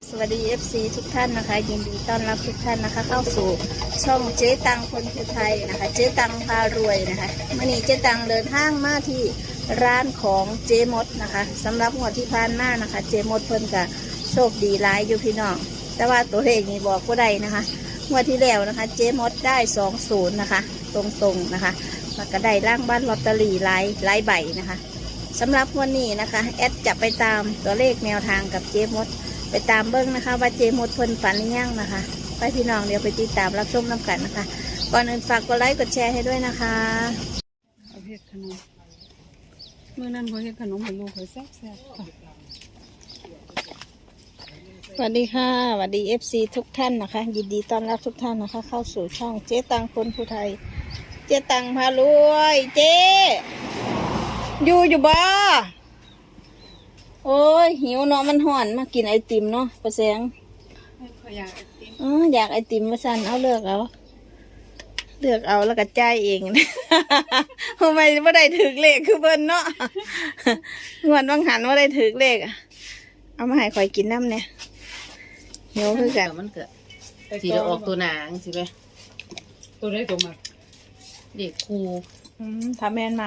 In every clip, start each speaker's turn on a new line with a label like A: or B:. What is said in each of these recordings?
A: สวัสดี FC ทุกท่านนะคะยินดีต้อนรับทุกท่านนะคะเข้าสู่ช่องเจ๊ตังคนคือไทยนะคะเจ๊ตังพารวยนะคะมื่อนี้เจ๊ตังเดินทางมาที่ร้านของเจ๊มดนะคะสำหรับงวดที่ผ่านมานะคะเจ๊มดเพิ่นกับโชคดีหลายอยู่พี่น้องแต่ว่าตัวเลขนี้บอกก็ได้นะคะงวดที่แล้วนะคะเจ๊มดได้20นะคะตรงๆนะคะแล้วก็ได้ร่างบ้านลอตเตอรี่หลายใบนะคะสำหรับวันนี้นะคะแอดจะไปตามตัวเลขแนวทางกับเจ๊มดไปตามเบิ้งนะคะว่าเจมดเพิ่นฝันหรือยังนะคะไปพี่น้องเดี๋ยวไปติดตามรับชมน้ำกันนะคะก่อนอื่นฝากกดไลค์กดแชร์ให้ด้วยนะคะ
B: เอาเฮ็ดขนมเมื่อนั้นพอเฮ็ดขนมให้ลูกเขาแซ่บๆค่ะ
A: สวัสดีค่ะสวัสดี FC ทุกท่านนะคะยินดีต้อนรับทุกท่านนะคะเข้าสู่ช่องเจ๊ตังคนผู้ไทยเจ๊ตังพารวยเจ๊อยู่บ่โอ้ยหิวเนาะมันห่อนมากินไอติมเนาะประแสง
B: ขอยากไอติม
A: อยากไอติมมาสั่นเอาเลือกเอาแล้วก็จ่ายเอง ทำไมไม่ได้ถือเลขคือเบิ้ลเนาะ งวดบางหันว่าได้ถือเลขเอามาให้ข่อยกินน้ำเนี่ยหิวคือกัน
C: มันเกิดสีจะออกตัวหนางสิไหม
B: ตัวได้ตัวมา
C: เด็กครู
A: ถ้าแม่น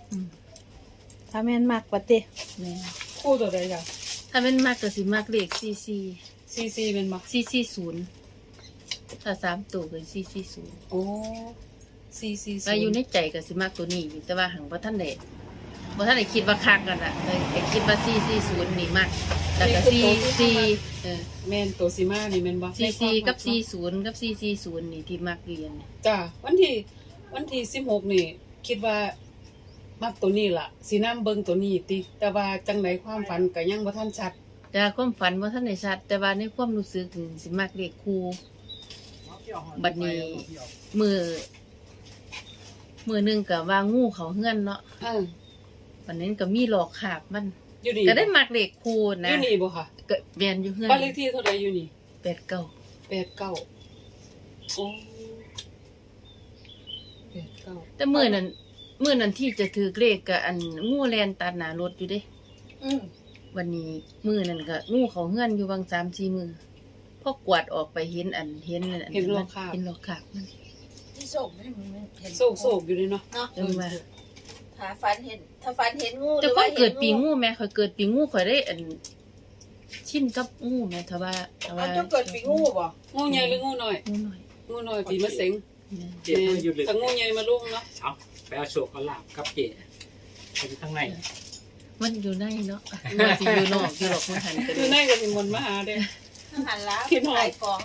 A: มักปะติ
C: แม่
B: คู่ตัวได้จ้ะ
C: ถ้าเป็นมากก็สิมากเลข
B: ซีเป็นมัก
C: 440ถ้า3ตัวก็440
B: โอ้
C: ก็อยู่ในใจก็สิมากตัวนี้แต่ว่าหังบ่ทันได้คิดว่าคักกันน่ะแต่คิดว่า440นี่มากแล้วก็44
B: แม่นตัวซีมานี่แม่นบ่
C: 44กับ40กับ440นี่ที่มักเรียน
B: จ้ะวันที่16นี่คิดว่ามักตัวนี้ล่ะสินำเบิ่งตัวนี้ติแต่ว่าจังไดความฝันก็ยังบ่ทันชัด
C: แต่ความฝันบ่ทันได้ชัดแต่ว่าในความรู้สึกนี่สิมักเลขครูบัดนี้มือนึงก็ว่างูเขาเฮือนเนาะวันนั้นก็มีหลอกขาบมันก็ได้มักเลขครูนะ
B: อยู่นี่บ่ค่ะ
C: ก็แม่นอยู่เฮือน
B: บ้านเลขที่เท่าใดอยู่นี่
C: 89
B: โอ้89
C: แต่มื้อนั้นที่จะถือเลขก็อันงูแล่นตัดหน้ารถอยู่เด้วันนี้มื้อนั้นก็งูเขาเฮือนอยู่บาง 3-4 มื้อพอกวาดออกไปเห็น
B: หลอกขาบ
C: มัน
A: ที่โศกไม่เห็น
B: โศกอยู่เลยเนาะ
A: ถ้าฝันเห็นงู
C: แต่ก็เกิดปีงูแม่ข่อยเกิดปีงูข่อยได้อันชินกับงูแม่ถ้าว่า
A: จะเกิดปีงูบ่
B: งูใหญ่หรืองูน้อยปีมะเส็ง
D: เจ็บอยู่เลย
B: ถ้างูใหญ่มาลุงเนาะ
D: ไปเอาโชคเอาลาบกับเจเป็นข้างใน
C: มันอยู่ในเนาะมันสิอยู่นอกที่หรอกมันหันกัน
B: อยู่ในก็สิมนมาหาเด้
A: หันแล้วขายของ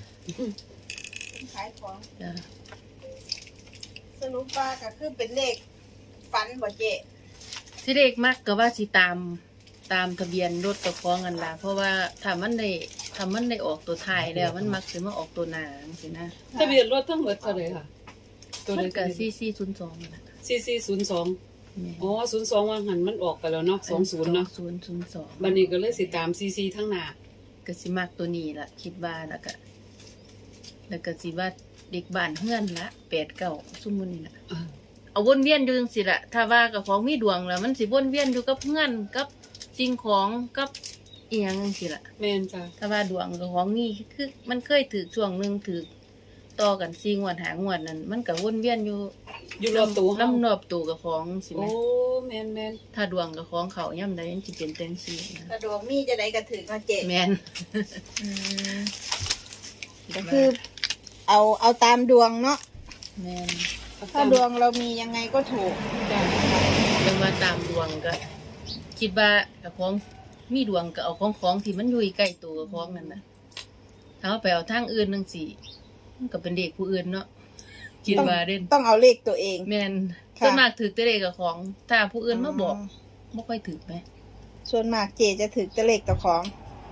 A: สรุปว่าก็คือเป็นเลขฝันบ่เจ๊
C: ที่เลขมักก็ว่าสิตามทะเบียนรถกับของกันล่ะเพราะว่าถ้ามันได้ออกตัวท้ายแล้วมันมักสิมาออกตัวหน้าจังซี่นะ
B: ทะเบียนรถทั้งหมดเท่าไหร่ค่ะ
C: ตัวนั้นก็4402นั่นน่ะ
B: 4402อ๋อ02ว่าหันมันออกไปแล้วเนาะ20เนาะ
C: 2002
B: บัดนี้ก็เลยสิตาม44ทั้งหน้า
C: ก็สิมักตัวนี้ล่ะคิดว่าแล้วก็สิว่าเด็กบ้านเฮือนละ89ซุมื้อนี้น่ะเอาวนเวียนอยู่จังซี่ล่ะถ้าว่ากับของมีดวงแล้วมันสิวนเวียนอยู่กับเฮือนกับสิ่งของกับอีหยังจังซี่ล่ะ
B: แม่นจ้ะ
C: ถ้าว่าดวงกับของนี่คือมันเคยถือช่วงนึงถือต่อกัน4งวด5งวดนั่นมันก็วนเวียนอยู่
B: รอบตัว
C: ลำรอบตัวกับของสิแม่
B: โอ้แม่น
C: ถ้าดวงกับของเขาย่ำใดมันสิเป็นจังซี่นะ
A: ถ้าดวงมีจะได้ก็ถือก็เจ๊
C: แม่น
A: ก็คือเอาตามดวงเนาะ
C: แม่น
A: ถ้าดวงเรามียังไงก็ถูก
C: เรื่องว่าตามดวงก็คิดว่ากับของมีดวงก็เอาของที่มันอยู่ใกล้ตัวกับของนั่นน่ะถ้าเอาไปเอาทางอื่นจังซี่มันก็เป็นเด็กผู้อื่นเนาะคิดว่าเด่น
A: ต้องเอาเลขตัวเอง
C: แม่นส่วนมากถือแต่เลขกับของถ้าผู้อื่นมาบอกบ่ค่อยถือไหม
A: ส่วนมากเจจะถือแต่เลขกับของ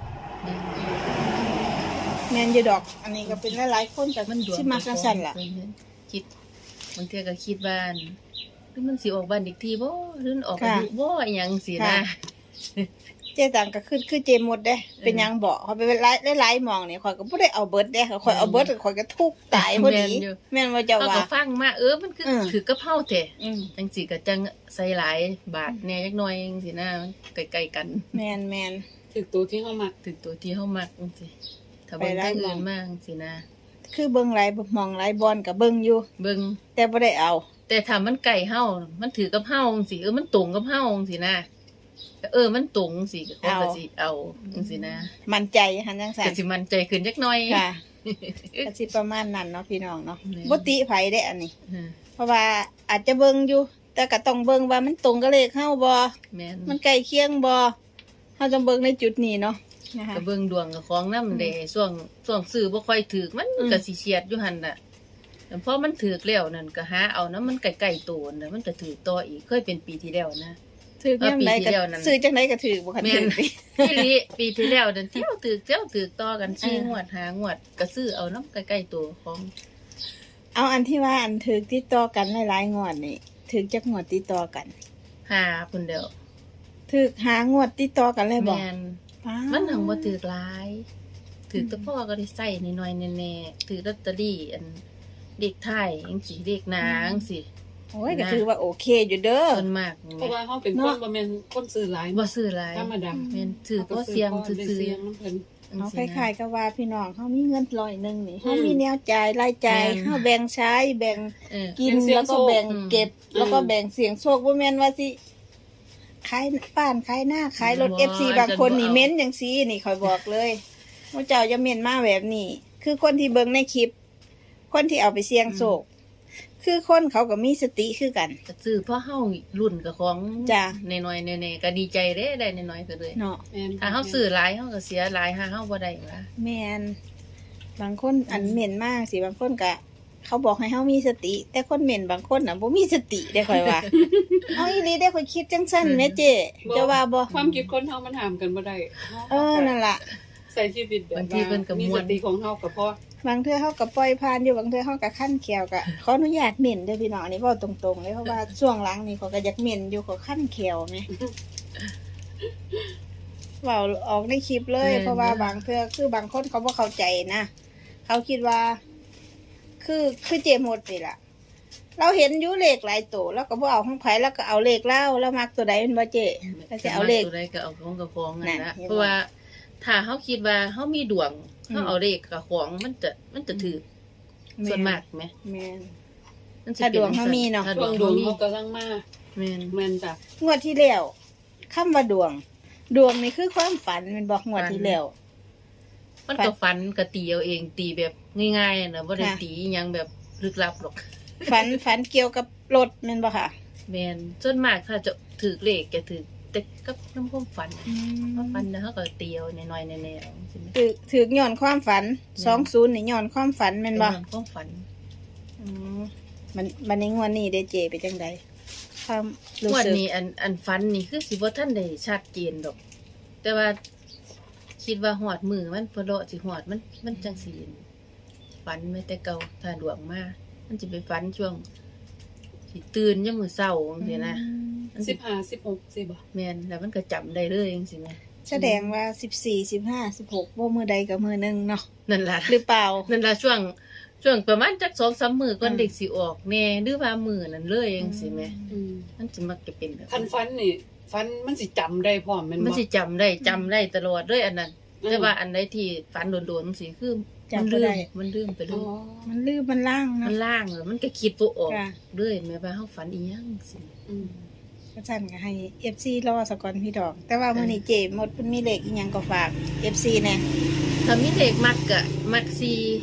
A: แม่นอยู่ดอกอันนี้ก็เป็นหลายๆคนแต่ที่มาจังซั่นล่ะ
C: คิดบางเทื่อก็คิดว่าหรือมันสิออกบ้านอีกทีบ่หรือออกอายุบ่อีหยังสินะ
A: เจ๊ตังก็คือเจมดเด้เป็นยังบอกเขาไปหลายๆมองนี่ข่อยก็บ่ได้เอาเบิดเด้ข่อยเอาเบิดข่อยก็ทุกข์ตายพอดีแม่นว่าจะว่า
C: ก็ฟังมามันคือถือกระเพราแท้จังสิก็จังใส่หลายบาทแน่จักหน่อยจังซี่นะใกล้ๆกัน
A: แม่น
B: ถึกตัวที่เฮามัก
C: ถึงตัวที่เฮามักจังซี่ถ้าเบิ่งทางอื่นมาจังซี่นะ
A: คือเบิ่งหลายหมองหลายบอนก็เบิ่งอยู่
C: เบิ่ง
A: แต่บ่ได้เอา
C: แต่ถ้ามันใกล้เฮามันถือกับเฮาจังซี่มันตรงกับเฮาจังซี่นะมันตรงจังซี่ก็เขาก็สิเอาจังซี่นะ
A: มั่นใจหันจังซั่
C: ก็
A: น
C: สิมั่นใจขึ้นจักหน่อย
A: ค่ะก็สิประมาณนั้นเนาะพี่น้องเนาะ
C: แม่น
A: บ่ติไผได้อันนี้
C: อืม
A: เพราะว่าอาจจะเบิ่งอยู่ แต่ก็ต้องเบิ่งว่ามันตรงกับเลขเฮาบ่
C: แม่น
A: มันใกล้เคียงบ่เฮาต้องเบิ่งในจุดนี้เนาะนะคะ
C: ก็เบิ่งดวงกับของนำเด้ช่วงซื้อบ่ค่อยถูกมันก็สิเฉียดอยู่หั่นน่ะแต่พอมันถูกแล้วนั่นก็หาเอานะมันใกล้ๆตัวน่ะมันก็ถูกต่ออีกเคยเป็นปีที่แล้วนะ
A: ถือยามใด
C: ปีที่
A: ก็
C: แล้วนั่น
A: ซื้อจังไดก็ถือบ่คัน
C: แม่
A: ถื
C: น
A: อ
C: พี่ลิปีที่แล้วนั่นเที่ยวถูกต่อกัน4งวด5งวดก็ซื้อเอานำใกล้ๆตัวของ
A: เอาอันที่ว่าอันถือติดต่อกันหลายๆงวดนี่ถือจักงวดติดต่อกัน
C: 5พุ่นเดียว
A: ถือหางวดติดต่อกันเลยบ่
C: แม่น
A: อ้าว
C: มันหังบ่ถูกหลายถูกแต่พ่อก็ได้ใส่นิดหน่อยแน่ๆถือลอตเตอรี่อันเด็กไทยจังซี่เด็กนางสิ
A: โอ้ยก็ถือว่าโอเคอยู่เด้อ
C: ส่วนมาก
B: เพราะว่าเฮาเป็นคนบ่แม่นคนซื้อหลาย
C: บ่ซื้อหลาย
B: ธรรมดา
C: แม่นถือเพราะเสียงซื่อ
B: เสียงน้ำเพิ่น
C: ๆ
A: เอาคล้ายๆกับว่าพี่น้องเขามีเงิน100นึงนี่
B: อืม
A: เขามีแนวจ่ายรายจ่าย
C: แม่น
A: เขาแบ่งใช้แบ่ง
C: เออ
A: กิน
B: เป็นเสี่ยง
A: แล้วก็แบ่ง
C: โชค
A: เก็บ
B: อืม
A: แล้วก็แบ่งเสียงโชคบ่แม่นว่าสิขายบ้านขายหน้าขายรถ
C: บ่
A: FC บางคนนี่
C: จะบ่เอา
A: เม้นจังซี่นี่คอยบอกเลยว่าเจ้าจะเม้นมาแบบนี้ คือคนที่เบิ่งในคลิป คนที่เอาไปเสี่ยงโชคคือคนเขาก็มีสติคือกัน
C: ก็ซื้อเพราะเฮารุ่นกับของ
A: จ้ะ
C: น้อยๆแน่ๆก็ดีใจเด้ได้น้อยๆก็เลย
A: เนาะ
B: แม่น
C: ถ้าเฮาซื้อหลายเฮาก็เสียหลายถ้าเฮาบ่ได้ว่า
A: แม่นบางคนอันเม้นมากสิบางคนก็เขาบอกให้เฮามีสติ แต่คนเม้นบางคนน่ะบ่มีสติได้ค่อยว่า เอาอีหลีได้ค่อยคิดจังซั่นแหม่เจ้จะว่าบ่
B: ความคิดคนเฮามันห้ามกันบ่ได้
A: นั่นล่ะ
B: ใส่ชีวิตแบบ
C: บางทีเพิ่นก็
B: มี
C: ม่ว
B: ส
C: น
B: ติของเฮาก็พอบ
A: างเทื่อเฮาก็ปล่อยผ่านอยู่บางเทื่อเฮาก็คั่นแขวก็ขออนุญาตเม้นเด้อพี่น้องอันนี้เว้าตรงๆเลยเพราะว่าช่วงหลังนี่เขาก็อยากเม้นอยู่เขาคั่นแขวแหมเว้าออกในคลิปเลย เพราะว่าบางเทื่อคือบางคนเขาบ่เข้าใจนะเขาคิดว่า คือเจหมดนี่ล่ะ เราเห็นอยู่เลขหลายตัวแล้วก็บ่เอาของไผแล้วก็เอาเลขเล่าแล้วมักตัวใดเป็นบ่เจ้แล้วจะเอาเลข
C: ตัวใดก็เอาของกับของนั่น
A: นั่
C: ละ
A: นเห็นบ่
C: เพราะว่าถ้าเฮาคิดว่าเฮามีดวงเฮาเอาเลขกับของมันจะถือส่วนมากไหม
A: แม่น
C: มันสิ
A: ถ้าดวงเฮามีเนาะ
C: ถ้
B: ช่วงด
C: ด
B: ว
C: ว
B: ง
C: ง
B: เฮา
C: เฮา
B: กำลังมา
C: แม่น
B: แม่นจ้ะ
A: งวดที่แล้วคำว่าดวง ดวงนี่คือความฝันแมันบอกงวดที่แล้ว
C: มันก็ฝันก็ตีเอาเองตีแบบง่ายๆนะบ่ได้
A: ค่ะ
C: ตีอิหยังแบบลึกลับหรอก
A: ฝันเกี่ยวกับรถแม่นบ่ค่ะ
C: แม่นส่วนมากถ้าจะถือเลขจะถือแต่กับน้ำความฝันเพราะฝันแล้วเขาก็ตีเอาน้อยๆแน่ๆใช่ไหม
A: ถือย้อนความฝัน
C: อืม
A: 20นี่ย้อนความฝันแม่นบ่
C: เป็นความฝัน
A: อืมมันในงวดนี้ได้เจไปจังใดความรู้
C: งวด
A: สึก
C: นี้อันฝันนี่คือสิบ่ทันได้ชัดเจนดอก แต่ว่าคิดว่าหอดมือมันพอเลาะสิหอดมันจังสิฝันไม่แต่เก่าถ้าดวงมามันสิไปฝันช่วงสิตื่นยามมื้อเช้าจังซี่นะมันสิ
B: 15 16สิบ่
C: แม่นแล้วมันก็จำได้เลยจังซี่นะ
A: แสดงว่า14 15 16บ่มื้อใดก็มื้อหนึงเนาะ
C: นั่นล่ะ
A: หรือเปล่า
C: นั่นล่ะช่วงประมาณจัก 2-3 มื้อก่อน
A: อืม
C: เด็กสิออกแน่หรือว่ามื้อนั้นเลยจังซี่แหม
B: อืม
C: มันสิมักจะเป็นแบบ
B: คันฟันนี่ฟันมันสิจำได้พร้อมแม่นบ่
C: มันสิจำได้ตลอดเลยอันนั้น แต่ว่าอันใดที่ฝันโดนๆสิคือ
A: จำบ่ได้
C: มันลืมไปเล
B: อ๋อย
A: มันลืมมันล่าง
C: มั
A: เนาะ
C: นล่างแล้วมันก็คิดบ่ออก
A: ค่ะ
C: เรื่อยแม้ว่าเฮาฝันอีหยังสิ
B: อืม
A: ก็สั่นก็ให้ FC รอซะก่อนพี่ดอก แต่ว่ามื้อนี้เจหมดเพิ่นมีเลขอีหยังก็ฝาก FC แน่
C: ถ้ามีเลขมักก็มัก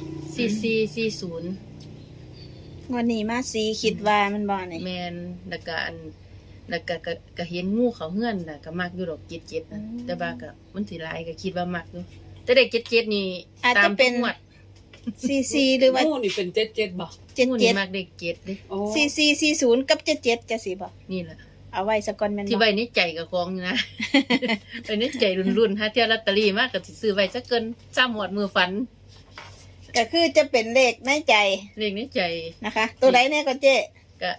C: 44440
A: งวดนี้มาสีคิดว่ามันบ่นี่
C: แม่นแล้วก็อันแล้วก็เห็นงูเขาเฮือนน่ะก็มักอยู่ดอก77นะแต่ว่าก็มันสิหลายก็คิดว่ามักอยู่แต่เด็ก77นี่
A: อาจ
C: ตา
A: จะ
C: ม
A: เป็น
C: ทุกงวด
A: 44หรือว่า
B: หมู่นี่เป็น77บ่
C: งูนี่มั
A: 77
C: กเด็ก7เด้
B: อ๋อ
A: 4440กับ77จะสิบ่
C: นี่ล่ะ
A: เอาไว้ซะก่อนแม่น
C: ที่
A: บ่
C: ไว้ในใจกับของอยู่นะ ไว้ในใจรุ่นๆฮะเที่ยวลอตเตอรี่มากก็สิซื้อไว้สักเกิน3หมวดมือฝัน
A: ก็คือจะเป็นเลขในใจ
C: เลขในใจ
A: นะคะ ตัวใดแน่ก็เจ๊
C: ก็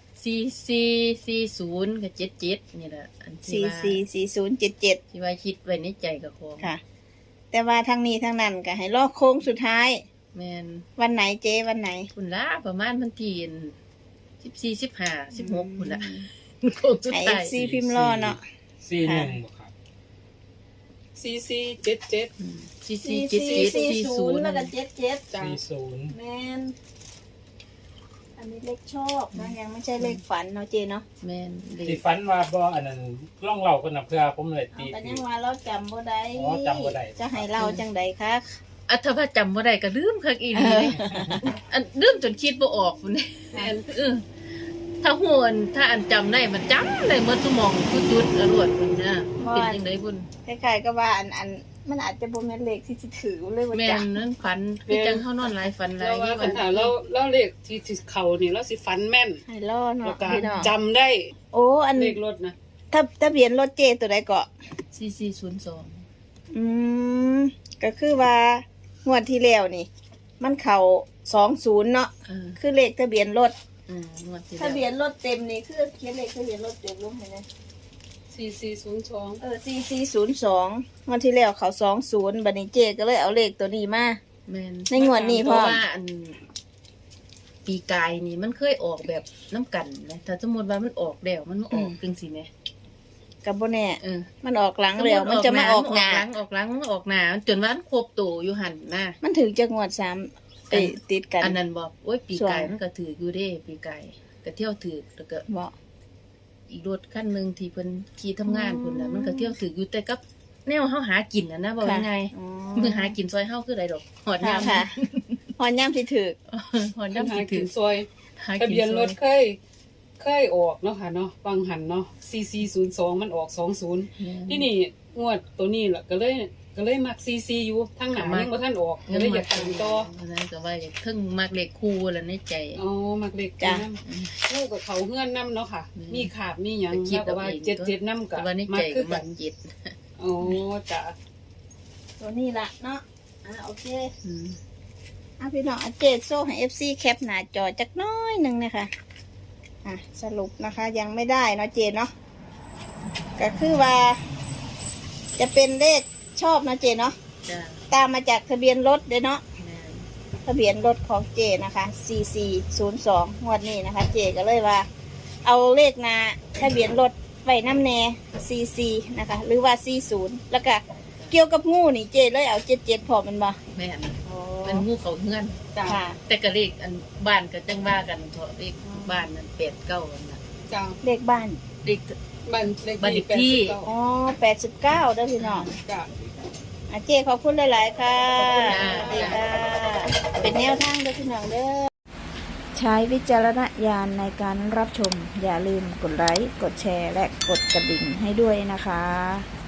C: 4440กับ77นี่แหละอันที่ว่า
A: 444077
C: ที่ว่าคิดไว้ในใจกับของ
A: ค่ะ แต่ว่าทางนี้ทางนั้นก็ให้รอโค้งสุดท้าย
C: แม่น
A: วันไหนเจ๊วันไหน
C: คุณล่ะประมาณวันที่14 15 16พุ่นล่ะโคงสุด
A: ให้
C: ท้าย
A: FC พิมพ์รอเนาะ
D: 41บ่ครับ
B: 4477
C: สี่
A: สี่
C: เจ็ด
A: สี่
C: เจ็ด
A: สี่
C: สี่
A: ศู
C: ศู
A: น
C: น
A: ย์
C: ย์
A: แล้วก็77
B: จ้ะ
D: 40
A: แมนอันนี้เลขชอบนะยังไม่ใช่เลขฝันเนาะเจเนาะ
C: แม่นเล
D: ที่
C: ข
D: ฝันว่าบ่อันนั้นล่องเล่ากันนะเพื่อผมเลย
A: เอา
D: ตี
A: แต่ยังว่าเราจำบ่ได้
D: อ๋อจำบ่ได้
A: จะให้เราจังใดคะ
C: อ่ะถ้าว่าจำบ่ได้ก็ลืมคักอีหลีเลยอันลืมจนคิดบ่ออกพุ่นนี่ถ้าฮู้อันถ้าอันจำได้มันจำได้หมดสมองทุกจุดอรวดพุ่นนะเป็นจังไดพุ่น
A: คล้ายๆก็ว่าอันมันอาจจะบ่แม่นเลขที่สิถือเลยว่า
C: แม่
A: จ้ะ
C: นนั้นฝันคือจังเฮานอนหลายฝันหลา
B: เรา
C: ย
B: ว่า
C: ที่
B: ปัญหาเราเลขที่เขานี่เราสิฟันแม่น
A: ให้รอ
B: แล้ว
A: เนาะ
B: ก็
A: พี่น้อง
B: จำได้
A: โอ้อัน
B: เลขรถนะ
A: ถ้าทะเบียนรถเจตัวใดเกาะ
C: 4402
A: อืมก็คือว่างวดที่แล้วนี่ มันเข้า20เนาะคือเลขทะเบียนรถ
C: งวดที่
A: ทะเบียนรถเต็มนี่คือเขียนเลขทะเบียนรถเต็มลงให้นะ
B: 4402
A: 4402งวดที่แล้วเขา20บัดนี้เจก็เลยเอาเลขตัวนี้มา
C: แม่น
A: ในงวดนี้
C: เพ
A: พ่อ
C: ราะว่าอันปีกายนี่มันเคยออกแบบน้ำกันนะถ้าสมมติว่ามันออกแล้วมันมาออกจังซี่แหม
A: กับบ่แน่
C: เออ
A: มันออกหลังแล้วมันจะมาออกหน้า
C: ออกหลังมันออกหน้าจนว่ามันครบตัวอยู่หั่นนะ
A: มันถึงจะงวด3ติดกัน
C: อันนั้นบอกโอ้ยปีกาย
A: ส่วน
C: มันก็ถืออยู่เด้ปีกายก็เที่ยวถือแล้วก็
A: บ่
C: อีกรถคันหนึงที่เพิ่นขี่ทำงานพุ่นน่ะมันก็เที่ยวถืออยู่แต่กับแนวเฮาหากินน่ะนะบอกยังไง
A: อ๋อ
C: มือหากินซอยเฮาคือใดดอกหอด
A: ค่ะ
C: ยาม
A: ค่ะหอนย่ำสิถึก
C: หอด
B: ยั
C: ยาง ม
B: หา
C: สิ
B: กิ
C: ถื
B: น
C: อ
B: ซอย
C: หา
B: ทะ
C: กิน
B: เบียน
C: ซ
B: ร
C: อย
B: ถเคยออกเนาะค่ะเนาะบางหันเนาะ4402มันออก20ที่นี่งวดตัวนี้ล่ะก็เลยมักซีอยู่ทั้งหนายังบ่ทันออกก็เลยอยากตามต่อ
C: นั้นก็ว่าอยากถึงมักเลขคู่แล้วในใจ
B: อ๋อมักเล็กจ้ะลูกกับเขาเฮือนนํเนาะค่ะ มีขาบมีหยัง
C: ก็คิด
B: แล้วก็ว่า
C: เอาเอง
B: 77นำก็
C: แต่ว่าใน
B: มั
C: ใจ
B: กคื
C: ก็
B: อ
C: มั
B: กั
C: ก
B: น
C: จิต
B: อ๋อจ้ะ
A: ตัวนี้ละเนาะโอเค
C: อืม
A: พี่น้องเจดโซ่ให้ FC แคปหน้าจอจักน้อยหนึ่งนะคะสรุปนะคะยังไม่ได้เนาะเจดเนาะก็คือว่า จะเป็นเลขชอบเนาะเจดเนาะ
C: จ้า
A: ตามมาจากทะเบียนรถเด้อเนาะ
C: แม่น
A: ทะเบียนรถของเจนะคะ4402งวดนี้นะคะ เจก็เลยว่า เอาเลขหนาทะเบียนรถไว้น้ำแน่44นะคะ หรือว่า40แล้วก็เกี่ยวกับงูนี่เจเลยเอา77พอมันบ่
C: แม่นเป็นงูเขาเฮือน
B: จ้ะ
A: ค่ะ
C: แต่ก็เลขอันบ้านก็จังว่ากันเถอะเลขบ้านนั่น89นั่นน่ะ
B: จ้ะ
A: เลขบ้าน
C: เลข
B: บ้านเลข
C: บ้านเลขที่
B: 89
A: อ๋อ89เด้อพี่น้อง
B: จ้ะ
A: เจขอบคุณหลาย ๆ ค่ะ
C: ขอบคุณค่ะ
A: เป็นแนวทางเด้อพี่น้องเด้อ ใช้วิจารณญาณในการรับชม อย่าลืมกดไลค์ กดแชร์ และกดกระดิ่งให้ด้วยนะคะ